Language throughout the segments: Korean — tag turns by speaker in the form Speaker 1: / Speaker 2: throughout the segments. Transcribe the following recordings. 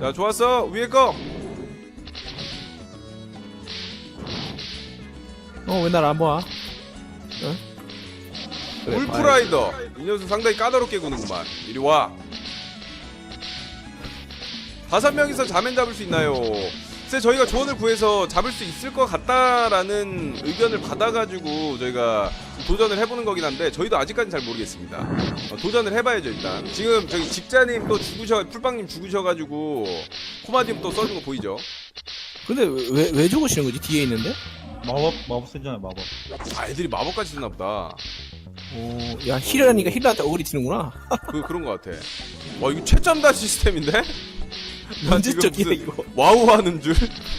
Speaker 1: 자, 좋았어. 위에 거.
Speaker 2: 왜 날 안 봐? 그래,
Speaker 1: 울프라이더. 이 녀석 상당히 까다롭게 구는구만. 이리 와. 5명이서 자맨 잡을 수 있나요? 글쎄 저희가 조언을 구해서 잡을 수 있을 것 같다라는 의견을 받아가지고 저희가 도전을 해보는 거긴 한데 저희도 아직까지는 잘 모르겠습니다. 도전을 해봐야죠 일단. 지금 저기 직자님 또 풀빵님 죽으셔가지고 코마디움 또 써준 거 보이죠?
Speaker 2: 근데 왜 죽으시는 거지? 뒤에 있는데?
Speaker 3: 마법 쓰잖아요, 마법.
Speaker 1: 아 애들이 마법까지 쓰나 보다.
Speaker 2: 야 힐러니까 힐러한테 어그리 튀는구나.
Speaker 1: 그런 거 같아. 와 이거 최첨단 시스템인데? 나 지금
Speaker 2: 언제적이야
Speaker 1: 무슨
Speaker 2: 이거.
Speaker 1: 와우 하는 줄?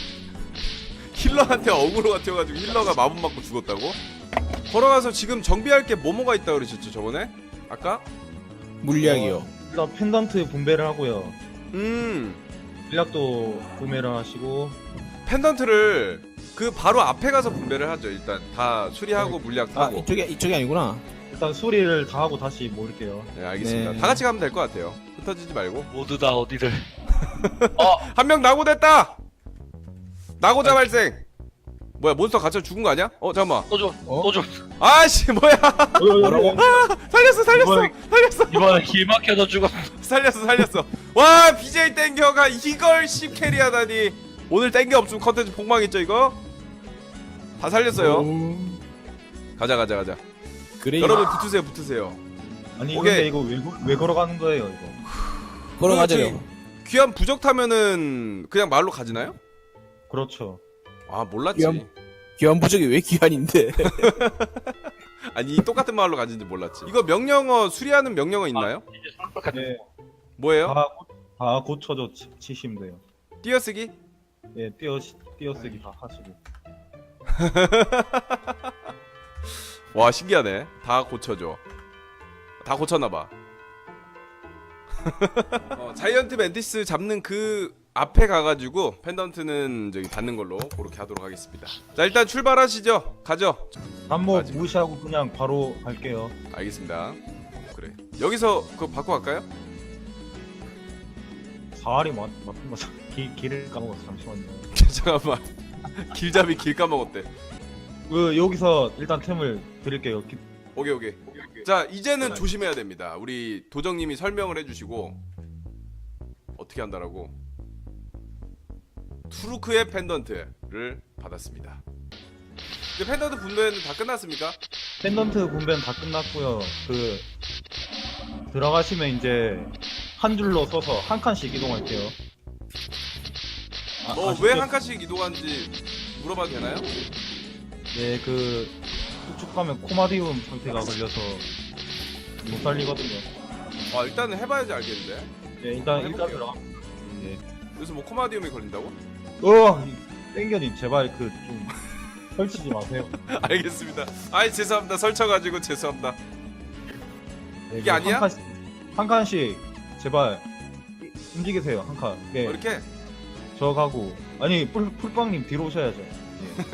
Speaker 1: 힐러한테 어그로가 튀어가지고 힐러가 마법 맞고 죽었다고? 걸어가서 지금 정비할 게 뭐가 있다 그러셨죠 저번에? 아까?
Speaker 2: 물리학이요.
Speaker 3: 일단 펜던트 분배를 하고요.
Speaker 1: 음
Speaker 3: 물약도 구매를 하시고.
Speaker 1: 펜던트를 그 바로 앞에 가서 분배를 하죠 일단 다 수리하고 물약
Speaker 2: 아
Speaker 1: 타고.
Speaker 2: 이쪽이 아니구나.
Speaker 3: 일단 수리를 다 하고 다시 모을게요.
Speaker 1: 네 알겠습니다.
Speaker 2: 네.
Speaker 1: 다 같이 가면 될 것 같아요. 흩어지지 말고.
Speaker 4: 모두 다 어디를.
Speaker 1: 한 명 낙오됐다! 낙오자 발생! 뭐야 몬스터 갇혀 죽은 거 아니야? 잠깐만.
Speaker 4: 또 줘.
Speaker 1: 아씨 뭐야.
Speaker 2: 뭐라고?
Speaker 1: 살렸어.
Speaker 4: 이번에 길 막혀서 죽었어.
Speaker 1: 살렸어. 와 BJ 땡겨가 이걸 10캐리하다니. 오늘 땡겨 없으면 컨텐츠 폭망했죠 이거? 다 살렸어요. 가자.
Speaker 2: 그래.
Speaker 1: 여러분 붙으세요.
Speaker 3: 아니
Speaker 1: 오케이.
Speaker 3: 근데 이거 왜 걸어가는 거예요 이거?
Speaker 2: 걸어가자요.
Speaker 1: 귀한 부적 타면은 그냥 말로 가지나요?
Speaker 3: 그렇죠.
Speaker 1: 아 몰랐지.
Speaker 2: 귀한 부적이 왜 귀한인데?
Speaker 1: 아니 이 똑같은 말로 가진지 몰랐지. 이거 명령어 수리하는 명령어 있나요?
Speaker 3: 네.
Speaker 1: 뭐예요?
Speaker 3: 다 고쳐져 치시면 돼요.
Speaker 1: 띄어쓰기?
Speaker 3: 예, 띄어쓰기 다 하시고.
Speaker 1: 와 신기하네. 다 고쳐줘. 다 고쳤나봐. 자이언트 멘티스 잡는 그 앞에 가가지고 펜던트는 저기 받는 걸로 그렇게 하도록 하겠습니다. 자 일단 출발하시죠. 가죠.
Speaker 3: 한모
Speaker 1: 아직-
Speaker 3: 무시하고 그냥 바로 갈게요.
Speaker 1: 알겠습니다. 그래. 여기서 그거 바꿔 갈까요?
Speaker 3: 사활이 맞는 거죠. 길을 까먹었어. 잠시만요.
Speaker 1: 잠깐만. 길잡이 길 까먹었대.
Speaker 3: 여기서 일단 템을 드릴게요.
Speaker 1: 오케이. 자 이제는 조심해야 됩니다. 우리 도정님이 설명을 해주시고 어떻게 한다라고. 투르크의 펜던트를 받았습니다. 이제 펜던트 분배는 다 끝났습니까?
Speaker 3: 펜던트 분배는 다 끝났고요. 들어가시면 이제 한 줄로 써서 한 칸씩 이동할게요.
Speaker 1: 왜 한 칸씩 이동하는지 물어봐도 되나요?
Speaker 3: 네, 쭉쭉 가면 코마디움 상태가 걸려서 못 살리거든요.
Speaker 1: 일단은 해봐야지 알겠는데.
Speaker 3: 네, 일단
Speaker 1: 해볼게요.
Speaker 3: 들어가. 네.
Speaker 1: 그래서 뭐 코마디움이 걸린다고?
Speaker 3: 땡겨님 제발 좀 설치지 마세요.
Speaker 1: 알겠습니다. 죄송합니다. 설쳐가지고 죄송합니다.
Speaker 3: 네,
Speaker 1: 이게 아니야?
Speaker 3: 한 칸씩 제발 움직이세요. 한 칸. 네,
Speaker 1: 이렇게?
Speaker 3: 저 가고 아니 풀빵님 뒤로 오셔야죠. 예.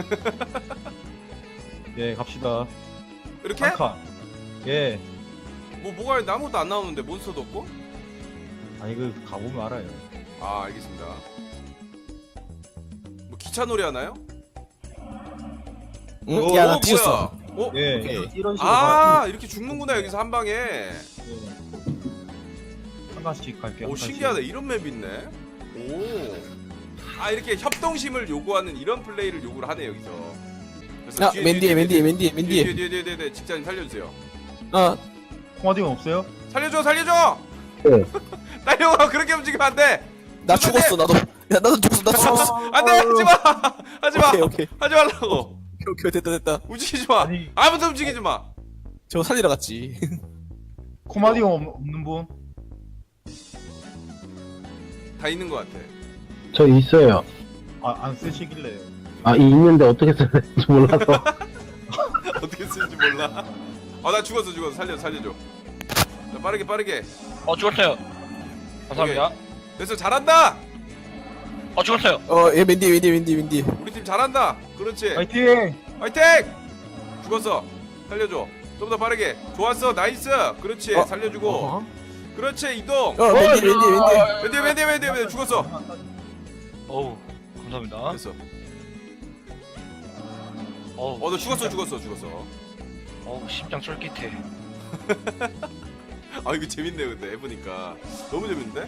Speaker 3: 예, 갑시다.
Speaker 1: 이렇게?
Speaker 3: 한 칸. 예.
Speaker 1: 뭐가 있는데 아무것도 안 나오는데 몬스터도 없고?
Speaker 3: 아니 가보면 알아요.
Speaker 1: 알겠습니다. 뭐 기차 놀이 하나요?
Speaker 2: 응? 야나 뒤졌어.
Speaker 1: 뭐야?
Speaker 3: 예,
Speaker 2: 오케이.
Speaker 3: 이런 식으로
Speaker 1: 이렇게 죽는구나 여기서 한 방에.
Speaker 3: 한 칸씩 갈게요.
Speaker 1: 오
Speaker 3: 한 칸씩.
Speaker 1: 신기하다. 이런 맵 있네. 이렇게 협동심을 요구하는 이런 플레이를 요구를 하네 여기서. 그래서
Speaker 2: 야 맨디에
Speaker 1: 뒤에 직장인 살려주세요.
Speaker 3: 코마디움 없어요?
Speaker 1: 살려줘.
Speaker 5: 네.
Speaker 1: 딸려와 그렇게 움직이면 안 돼.
Speaker 2: 나 죽었어 나도. 야 나도 죽었어.
Speaker 1: 안돼 하지마.
Speaker 2: 오케이.
Speaker 1: 하지 말라고.
Speaker 2: 오케이 됐다.
Speaker 1: 움직이지 마.
Speaker 3: 아니.
Speaker 1: 아무도 움직이지 마.
Speaker 2: 저 살리러 갔지.
Speaker 3: 코마디움 없는 분?
Speaker 1: 다 있는 것 같아.
Speaker 5: 저 있어요.
Speaker 3: 안 쓰시길래.
Speaker 5: 있는데 어떻게 써야 될지 몰라서.
Speaker 1: 어떻게 쓰는지 몰라. 나 죽었어. 살려줘. 자, 빠르게.
Speaker 4: 죽었어요. 감사합니다.
Speaker 1: 됐어. 잘한다.
Speaker 4: 죽었어요.
Speaker 2: 얘 맨디.
Speaker 1: 우리 팀 잘한다. 그렇지.
Speaker 3: 파이팅!
Speaker 1: 화이팅! 죽었어. 살려줘. 좀 더 빠르게. 좋았어. 나이스. 그렇지. 살려주고. 그렇지 이동.
Speaker 2: 웬디
Speaker 1: 웬디 죽었어.
Speaker 4: 어우 감사합니다.
Speaker 1: 됐어.
Speaker 4: 어우
Speaker 1: 너 죽었어.
Speaker 4: 어우 심장 쫄깃해.
Speaker 1: 아 이거 재밌네요 근데 해보니까 너무 재밌는데?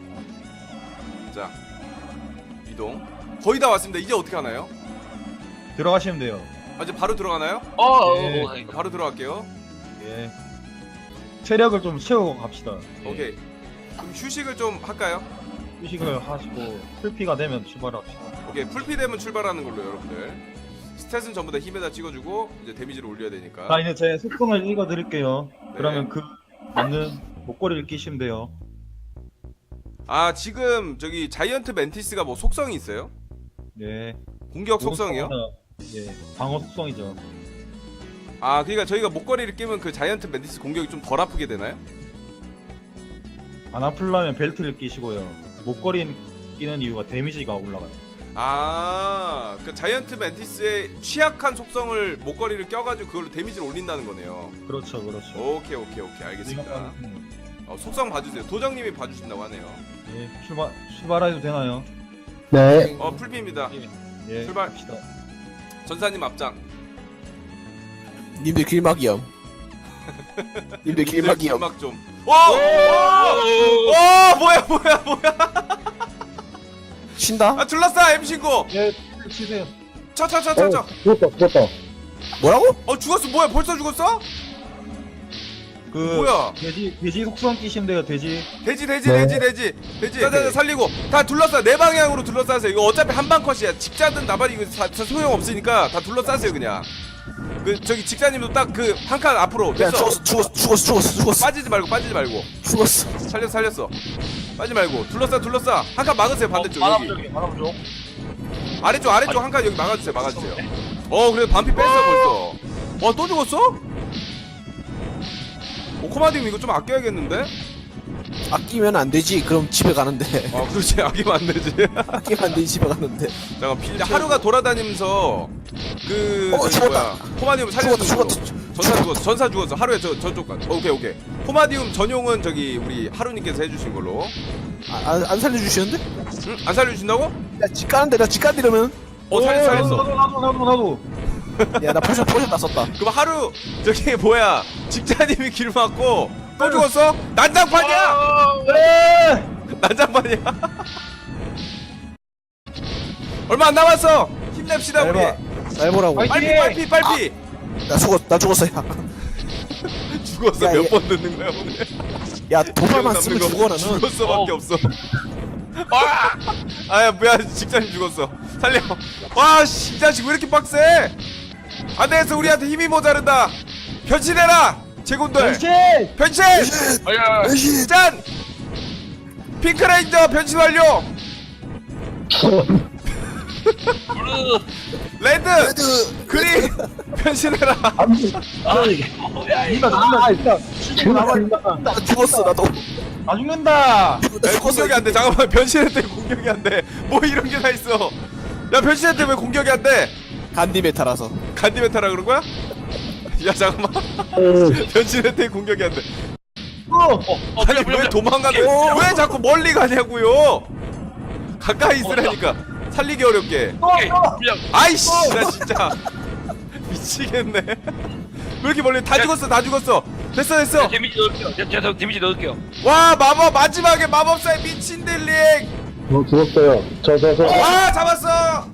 Speaker 1: 자 이동 거의 다 왔습니다. 이제 어떻게 하나요?
Speaker 3: 들어가시면 돼요.
Speaker 1: 아 이제 바로 들어가나요?
Speaker 3: 예.
Speaker 1: 바로 들어갈게요.
Speaker 3: 예. 체력을 좀 채우고 갑시다. 예.
Speaker 1: 오케이. 그럼 휴식을 좀 할까요?
Speaker 3: 휴식을 하시고 풀피가 되면 출발합시다.
Speaker 1: 오케이 풀피 되면 출발하는 걸로 여러분들. 스탯은 전부 다 힘에다 찍어주고 이제 데미지를 올려야 되니까.
Speaker 3: 자, 이제 제 속성을 읽어드릴게요.
Speaker 1: 네.
Speaker 3: 그러면 그 맞는 목걸이를 끼시면 돼요.
Speaker 1: 아 지금 저기 자이언트 멘티스가 뭐 속성이 있어요?
Speaker 3: 네.
Speaker 1: 공격 속성이요?
Speaker 3: 예, 방어 속성이죠.
Speaker 1: 아 그러니까 저희가 목걸이를 끼면 그 자이언트 멘티스 공격이 좀 덜 아프게 되나요?
Speaker 3: 안 아플라면 벨트를 끼시고요. 목걸이 끼는 이유가 데미지가 올라가요.
Speaker 1: 아, 그 자이언트 멘티스의 취약한 속성을 목걸이를 껴가지고 그걸로 데미지를 올린다는 거네요.
Speaker 3: 그렇죠, 그렇죠.
Speaker 1: 오케이 알겠습니다. 속성 봐주세요. 도정님이 봐주신다고 하네요.
Speaker 3: 예, 출발해도 되나요?
Speaker 5: 네.
Speaker 1: 풀피입니다.
Speaker 3: 예,
Speaker 1: 출발.
Speaker 3: 갑시다.
Speaker 1: 전사님 앞장.
Speaker 2: 님들 길막이요. 님들 길막이요.
Speaker 1: 길막 좀. 오, 뭐야.
Speaker 2: 쉰다?
Speaker 1: 아 둘러싸 M 신고.
Speaker 3: 예, 치세요.
Speaker 1: 쳐.
Speaker 5: 죽었다.
Speaker 2: 뭐라고?
Speaker 1: 죽었어. 뭐야? 벌써 죽었어?
Speaker 3: 그
Speaker 1: 뭐야?
Speaker 3: 돼지 속성 끼시면 돼요. 돼지.
Speaker 1: 돼지.
Speaker 5: 네.
Speaker 1: 자, 살리고 다 둘러싸. 네 방향으로 둘러싸세요. 이거 어차피 한방 컷이야. 직자든 나발이 이거 다 소용 없으니까 다 둘러싸세요 그냥. 그 저기 직자님도 딱 그 한 칸 앞으로.
Speaker 2: 야
Speaker 1: 됐어.
Speaker 2: 죽었어.
Speaker 1: 빠지지 말고.
Speaker 2: 죽었어.
Speaker 1: 살렸어. 빠지 말고. 둘러싸. 한 칸 막으세요 반대쪽 여기.
Speaker 4: 바람쪽.
Speaker 1: 아래쪽 한 칸 여기 막아주세요. 그래도 반피 뺐어 벌써. 와 또 죽었어? 코마디움 이거 좀 아껴야겠는데?
Speaker 2: 아끼면 안 되지. 그럼 집에 가는데.
Speaker 1: 아 그렇지 아끼면 안 되지.
Speaker 2: 아끼면 안 되지. 집에 가는데.
Speaker 1: 잠깐 하루가 돌아다니면서 그
Speaker 2: 죽었다.
Speaker 1: 코마디움 살려주는
Speaker 2: 죽었다.
Speaker 1: 걸로. 전사 죽었어. 하루에 저쪽 가. 오케이. 코마디움 전용은 저기 우리 하루님께서 해주신 걸로.
Speaker 2: 안 살려주시는데?
Speaker 1: 응? 안 살려주신다고?
Speaker 2: 나 집 가는데 이러면.
Speaker 1: 살렸어.
Speaker 3: 나도.
Speaker 2: 야 나 포션 다 썼다.
Speaker 1: 그럼 하루 저기 뭐야 직자님이 길 막고 또 죽었어? 난장판이야!
Speaker 3: 네.
Speaker 1: 난장판이야. 얼마 안 남았어. 힘냅시다 우리.
Speaker 2: 날 보라고.
Speaker 3: 화이팅!
Speaker 1: 빨리.
Speaker 2: 나 죽었어 야.
Speaker 1: 죽었어.
Speaker 2: 야,
Speaker 1: 몇
Speaker 2: 얘-
Speaker 1: 번 듣는 거야 오늘.
Speaker 2: 야 도발만 쓰면 죽어 나는.
Speaker 1: 죽었어밖에 없어. 아야 뭐야 직장인 죽었어. 살려. 와씨 자식 왜 이렇게 빡세? 안 되겠어 우리한테 힘이 모자른다. 변신해라 제군들. 변신.
Speaker 4: 아야.
Speaker 1: 짠. 핑크레인저 변신 완료.
Speaker 4: 블루.
Speaker 1: 레드. 그린 변신해라.
Speaker 2: 나 죽었어 나도.
Speaker 3: 아 죽는다.
Speaker 2: 나
Speaker 1: 공격이 안 돼. 잠깐만 변신했더니 공격이 안 돼. 뭐 이런 게 다 있어. 야 변신했더니 왜 공격이 안 돼?
Speaker 2: 간디 메타라서.
Speaker 1: 간디 메타라 그런 거야? 야 잠깐만. 변신했더니 공격이 안 돼. 아니 왜 도망가는? 왜 자꾸 멀리 가냐고요? 가까이 있으라니까. 살리기 어렵게.
Speaker 4: 오케이. 그냥
Speaker 1: 아이씨 나 진짜 미치겠네. 왜 이렇게 멀리? 다 죽었어. 됐어.
Speaker 4: 데미지 넣을게요. 제가 데미지 넣을게요.
Speaker 1: 와 마법 마지막에 마법사의 미친 딜링.
Speaker 5: 죽었어요.
Speaker 1: 와 잡았어.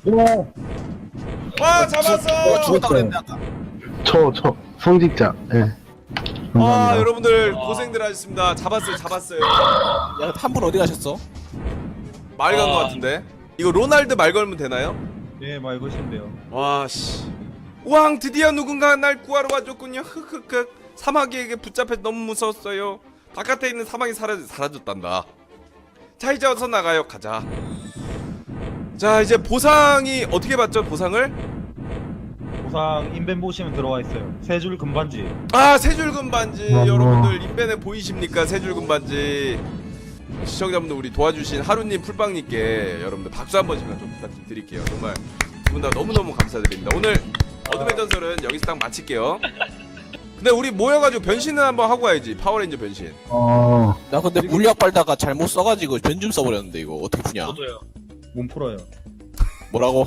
Speaker 1: 와 잡았어.
Speaker 2: 죽었다 그랬는데 아까.
Speaker 5: 저 성직자. 예.
Speaker 1: 아
Speaker 5: 감사합니다.
Speaker 1: 여러분들 고생들 하셨습니다. 잡았어요.
Speaker 2: 야 한 분 어디 가셨어?
Speaker 1: 말 간 거 같은데. 이거 로날드 말 걸면 되나요?
Speaker 3: 예, 말 거시면 돼요.
Speaker 1: 와 씨. 왕 드디어 누군가 날 구하러 와줬군요. 흑흑흑. 사마귀에게 붙잡혀 너무 무서웠어요. 바깥에 있는 사마귀 사라졌단다. 자 이제 어서 나가요. 가자. 자 이제 보상이 어떻게 받죠? 보상을?
Speaker 3: 보상 인벤 보시면 들어와 있어요. 세 줄 금반지.
Speaker 1: 아 세줄금 반지.
Speaker 5: 어머.
Speaker 1: 여러분들 인벤에 보이십니까? 세줄금 반지. 시청자분들 우리 도와주신 하루님 풀빵님께 여러분들 박수 한 번씩만 좀 부탁 좀 드릴게요. 정말 두 분 다 너무너무 감사드립니다. 오늘 어둠의 전설은 여기서 딱 마칠게요. 근데 우리 모여가지고 변신을 한번 하고 와야지. 파워레인저 변신.
Speaker 2: 나 근데 물약 빨다가 잘못 써가지고 변 좀 써버렸는데 이거 어떻게 푸냐?
Speaker 4: 저도요.
Speaker 3: 몸 풀어요.
Speaker 2: 뭐라고?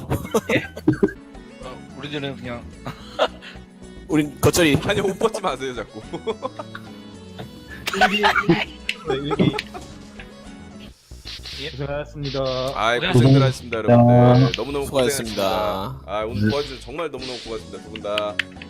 Speaker 4: 우리들은 그냥
Speaker 2: 우린 겉절이.
Speaker 1: 아니 옷 벗지 마세요 자꾸.
Speaker 3: 일기.
Speaker 4: 예?
Speaker 3: 고생하셨습니다.
Speaker 1: 아이 고생들 하셨습니다 여러분들. 너무너무
Speaker 2: 수고하셨습니다.
Speaker 1: 고생하셨습니다. 아 오늘 도와주셔서 정말 너무너무 고맙습니다 두 분 다.